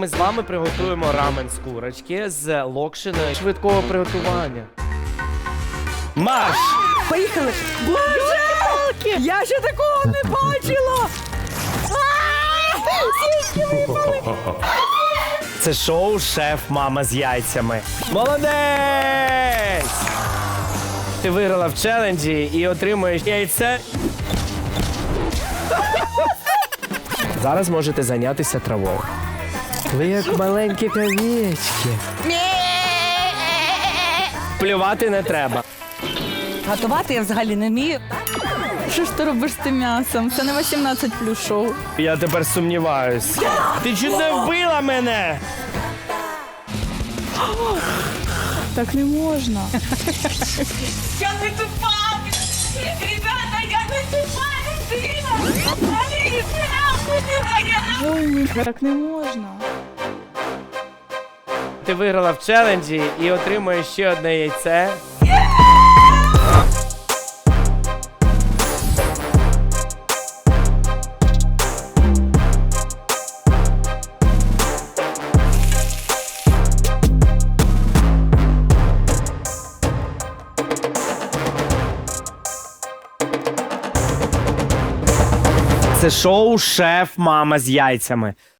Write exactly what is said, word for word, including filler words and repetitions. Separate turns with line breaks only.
ми з вами приготуємо рамен з курочки з локшиною швидкого приготування. Марш!
Поїхали! Боже! Я ще такого не бачила!
Це шоу «Шеф, мама з яйцями». Молодець! Ти виграла в челенджі і отримуєш яйце. Зараз можете зайнятися травою. Ви як маленькі овечки. Плювати не треба.
Готувати я взагалі не вмію. Що ж ти робиш з тим м'ясом? Це не вісімнадцять плюс шоу.
Я тепер сумніваюсь. Ти чуть не вбила мене!
Так не можна.
Я не тупа! Ребята, я не тупа людина!
Ой, ні, так не можна.
Ти виграла в челенджі і отримуєш ще одне яйце. Це шоу «Шеф, мама з яйцями».